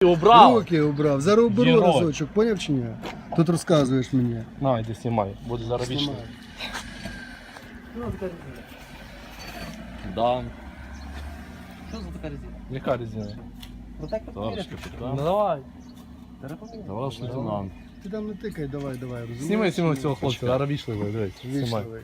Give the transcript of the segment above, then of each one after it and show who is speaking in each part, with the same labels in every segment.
Speaker 1: Убрав.
Speaker 2: Руки убрав. Зараз уберу разочок, поняв чи ні? Тут розказуєш мені.
Speaker 1: На, йди знімай, буде зараз вічно. Да.
Speaker 3: Що за така резина?
Speaker 1: Яка резина?
Speaker 3: Ну так
Speaker 1: Товариш
Speaker 3: поміряти.
Speaker 1: капітан. Давай.
Speaker 3: Товариш лейтенант.
Speaker 2: Ти там не тикай, давай, розумієш?
Speaker 1: Знімай цього хлопця, зараз вічливий, дивись. Знімай.
Speaker 2: Вічливий.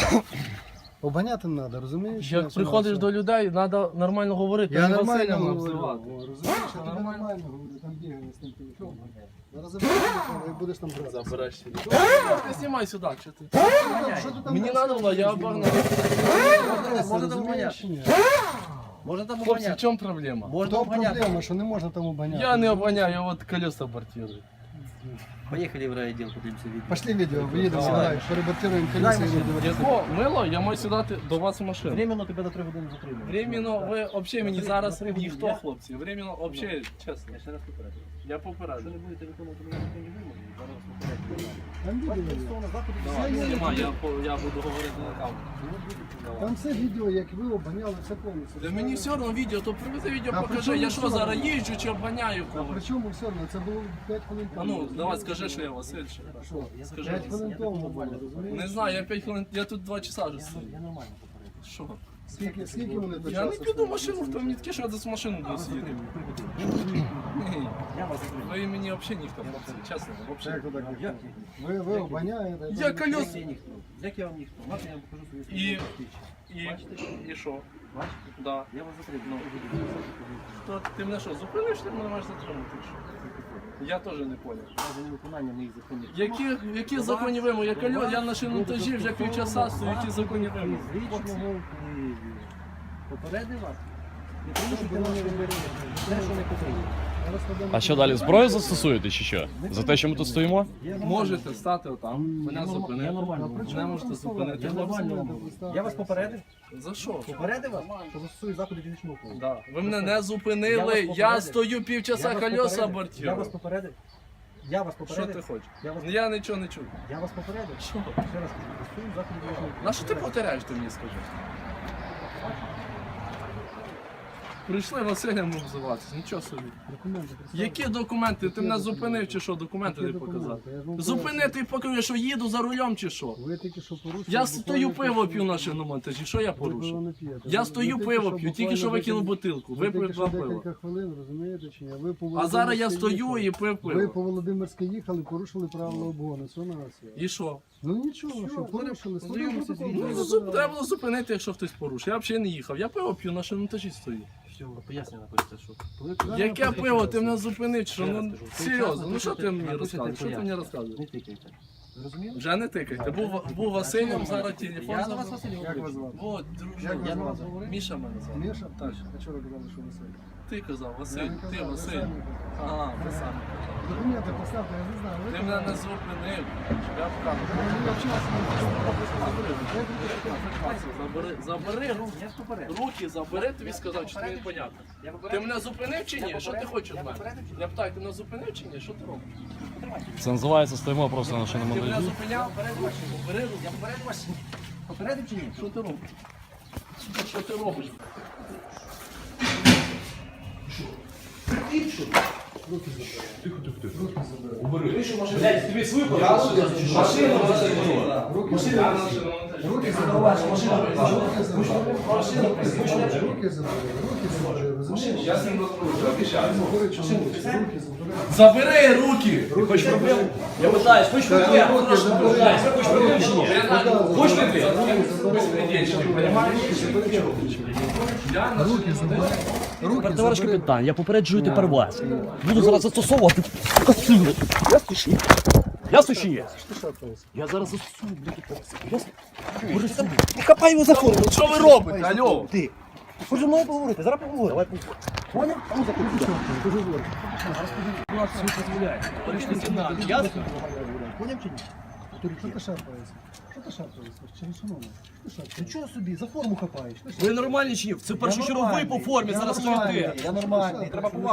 Speaker 2: Обганяти не треба, розумієш?
Speaker 1: Як приходиш до людей, треба нормально говорити,
Speaker 2: Я
Speaker 1: не
Speaker 2: нормально
Speaker 1: Василем
Speaker 2: говорю,
Speaker 1: обзивати.
Speaker 2: розумієш, я тобі нормально говорю, там бігає з тим телефоном. Зараз забереш телефон і будеш там грати.
Speaker 1: Забереш сюди. Ти знімай сюди, що ти?
Speaker 2: Що ти там
Speaker 1: Мені
Speaker 2: розказуєш?
Speaker 1: треба було, я обогнав.
Speaker 3: Можна там
Speaker 2: Розумієш
Speaker 3: обганяти.
Speaker 2: чи ні?
Speaker 3: Можна там
Speaker 1: Хлопці, в
Speaker 3: обганяти.
Speaker 1: чому проблема?
Speaker 3: Можна
Speaker 2: То
Speaker 3: обганяти.
Speaker 2: проблема, що не можна там обганяти.
Speaker 1: Я не обганяю, я от колеса бортирую.
Speaker 3: Поїхали в райвідділ, подивимося відео.
Speaker 2: Пошли відео, виїдемо,
Speaker 1: Давай.
Speaker 2: давай, перебортируємо колеса і будемо.
Speaker 1: Яко мило, я маю сідати до вас у машину.
Speaker 3: Временно тебе на 3 години затримали.
Speaker 1: Временно, ви взагалі мені зараз ніхто, хлопці. Временно, взагалі, чесно.
Speaker 3: Я ще раз попереджую.
Speaker 1: Я
Speaker 3: Якщо
Speaker 1: попереджу.
Speaker 3: не будете виконувати законні вимоги, зараз вас попереджую.
Speaker 2: Там відео є.
Speaker 3: Стосовно заходу
Speaker 1: Давай,
Speaker 2: Все є.
Speaker 1: знімай, я буду говорити на камеру.
Speaker 2: Там все відео, як ви обганяли, все повністю.
Speaker 1: Та мені все одно відео, то привези відео,
Speaker 2: А при
Speaker 1: покажи,
Speaker 2: чому
Speaker 1: я
Speaker 2: все
Speaker 1: що
Speaker 2: одно?
Speaker 1: зараз їжджу чи обганяю
Speaker 2: А при
Speaker 1: когось.
Speaker 2: чому все одно? Це було 5 хвилин
Speaker 1: А
Speaker 2: тому.
Speaker 1: ну, давай скажи, що я Василь. ще.
Speaker 2: Що?
Speaker 1: Скажи.
Speaker 2: 5 хвилин тому було, розумієш?
Speaker 1: Не знаю, я 5 хвилин, я тут 2 часа вже стою.
Speaker 3: Я нормально попереджую.
Speaker 1: Що?
Speaker 2: Скільки вони до
Speaker 1: Я не
Speaker 2: часу
Speaker 1: піду в
Speaker 2: стоять?
Speaker 1: машину, хто мені таке, що я десь в машину буду сидіти. Ні,
Speaker 3: Я вас затримую.
Speaker 1: ви мені взагалі ніхто, хлопці, чесно, взагалі.
Speaker 2: Як то так?
Speaker 3: Як?
Speaker 2: Ви обганяєте.
Speaker 1: Я колес.
Speaker 3: Як я ніхто? Як я вам ніхто? Можна я вам покажу свої
Speaker 1: І-
Speaker 3: свідчення?
Speaker 1: І що?
Speaker 3: Бачите?
Speaker 1: Да.
Speaker 3: Я вас затримую.
Speaker 1: То ти мене що, зупиниш, ти мене маєш затримати? чи що? Я теж не поняв.
Speaker 3: За невиконання моїх законів.
Speaker 1: Які законні вимоги? Я на шиномонтажі вже півчаса стою, які законні вимоги?
Speaker 3: З лічного впливу. Попередив вас? Не порушуйте наші вимоги. Те, що не потрібно.
Speaker 4: А що далі, зброю застосуєте чи що? За те, що ми тут стоїмо?
Speaker 1: Можете стати отам, мене
Speaker 3: Я
Speaker 1: зупинити.
Speaker 3: нормально.
Speaker 1: Мене можете зупинити.
Speaker 3: Я нормально. Я вас попередив?
Speaker 1: За що?
Speaker 3: Попередив вас? Що застосую заходи фізичного впливу.
Speaker 1: Да. Ви мене не
Speaker 3: Я
Speaker 1: зупинили,
Speaker 3: вас
Speaker 1: я
Speaker 3: попередив.
Speaker 1: стою півчаса
Speaker 3: Я вас
Speaker 1: колеса
Speaker 3: попередив. Я
Speaker 1: бортірую.
Speaker 3: вас попередив. Я вас
Speaker 1: Що
Speaker 3: попередив.
Speaker 1: ти хочеш?
Speaker 3: Я вас-
Speaker 1: Я нічого не чую.
Speaker 3: Я вас попередив.
Speaker 1: Що?
Speaker 3: Ще раз кажу, застосую заходи фізичного впливу.
Speaker 1: На що ти повторяєш, ти мені скажи? Прийшли Василем обзиватися, нічого собі.
Speaker 2: Документи.
Speaker 1: Які документи? Ти мене зупинив чи що? Документи не
Speaker 2: Які
Speaker 1: показати?
Speaker 2: документи? Я ж вам
Speaker 1: Зупинити і покажу, що їду за рулем чи що?
Speaker 2: Ви тільки що порушили.
Speaker 1: Я стою пиво п'ю на шиномонтажі, що я порушив? Я стою пиво п'ю, тільки що викинув бутилку, випив 2 пива.
Speaker 2: Декілька хвилин, розумієте чи ні? Ви по
Speaker 1: А зараз я
Speaker 2: Володимирській
Speaker 1: стою і пив
Speaker 2: Ви
Speaker 1: пиво.
Speaker 2: по Володимирській їхали, порушили правила обгону. Все на вас є.
Speaker 1: І що?
Speaker 2: Ну нічого, що порушили.
Speaker 3: познайомимося з
Speaker 2: Складемо
Speaker 3: відео.
Speaker 2: протокол.
Speaker 1: Треба було зупинити, якщо хтось порушив. Я взагалі не їхав. Я пиво п'ю на шиномонтажі стою.
Speaker 3: Все, пояснення напишете, що.
Speaker 1: Яке пиво? Ти мене зупинив, що? Ну серйозно, ну що ти мені
Speaker 3: Напишете
Speaker 1: розказуєш? Що ти мені
Speaker 3: пояснення.
Speaker 1: розказуєш?
Speaker 3: Не тикайте. Зрозуміли?
Speaker 1: Вже не тикайте. Був Василем, зараз телефон
Speaker 3: Я на вас
Speaker 1: забрав.
Speaker 3: Василь
Speaker 2: Як вас
Speaker 3: говорю.
Speaker 2: звати?
Speaker 1: Вот,
Speaker 2: Як
Speaker 1: друже.
Speaker 2: вас
Speaker 3: Я
Speaker 2: звати?
Speaker 3: вас говорю.
Speaker 1: Міша мене звати.
Speaker 2: Міша?
Speaker 1: Так.
Speaker 2: А чого ви казали, що Василь?
Speaker 1: Ти казав, Василь,
Speaker 2: Я не
Speaker 1: ти
Speaker 2: казав, ви
Speaker 1: Василь.
Speaker 2: самі казали.
Speaker 1: А, ви самі.
Speaker 2: Документи поставте, я не знаю.
Speaker 1: Ти мене не зупинив. Я вказую. Забери руки.
Speaker 3: Я ж попередив.
Speaker 1: Руки забери, тобі сказав, що тобі непонятно.
Speaker 3: Я
Speaker 1: Ти
Speaker 3: попередив.
Speaker 1: мене зупинив чи ні? Що ти хочеш від мене?
Speaker 3: попередив чи ні?
Speaker 1: Я питаю, ти мене зупинив чи ні? Що ти робиш?
Speaker 4: Це називається стоїмо просто на
Speaker 1: Ти мене
Speaker 4: шиномонтажі.
Speaker 1: зупиняв? Бери руки.
Speaker 3: Я попередив вас. Попередив чи ні?
Speaker 1: Що ти робиш? Що ти робиш?
Speaker 2: Руки забрали. Руки забрали, розумієш?
Speaker 1: Я з ним розмовляю.
Speaker 2: Говорить, що руки забрали.
Speaker 1: Забери руки!
Speaker 2: Хочеш проблем?
Speaker 4: Я питаюсь, хочеш
Speaker 2: Руки забрали.
Speaker 4: Хочеш проблем чи ні?
Speaker 1: Хочеш ти? Безпредельщик, понимаєш? Я на
Speaker 2: Руки забрали. Руки
Speaker 4: Товариш
Speaker 2: забрали.
Speaker 4: капітан, я попереджую тепер вас. Буду зараз застосовувати силу. Ясно чи ні? Ясно чи ні?
Speaker 2: Ти шатаєшся.
Speaker 4: Я зараз застосую, ясно? Ясно? Хапай його за форму.
Speaker 1: Що ви робите? Алло?
Speaker 4: Ти. Хоч зі мною поговорити, зараз поговоримо. Давай поговоримо. Поняв? А ну заходи.
Speaker 2: Дуже добре.
Speaker 4: Влад все дозволяє. Товариш лейтенант, ясно?
Speaker 3: Поняв чи ні?
Speaker 2: Що ти шарпаєшся? Що ти шарпаєшся? Через шановне? Що ти шарпаєшся?
Speaker 3: Нічого собі, за форму хапаєш.
Speaker 4: Ви нормальні чи ні? Це першочерговий по формі, зараз
Speaker 3: нормальний,
Speaker 4: кричите.
Speaker 3: я нормальний, треба повагу.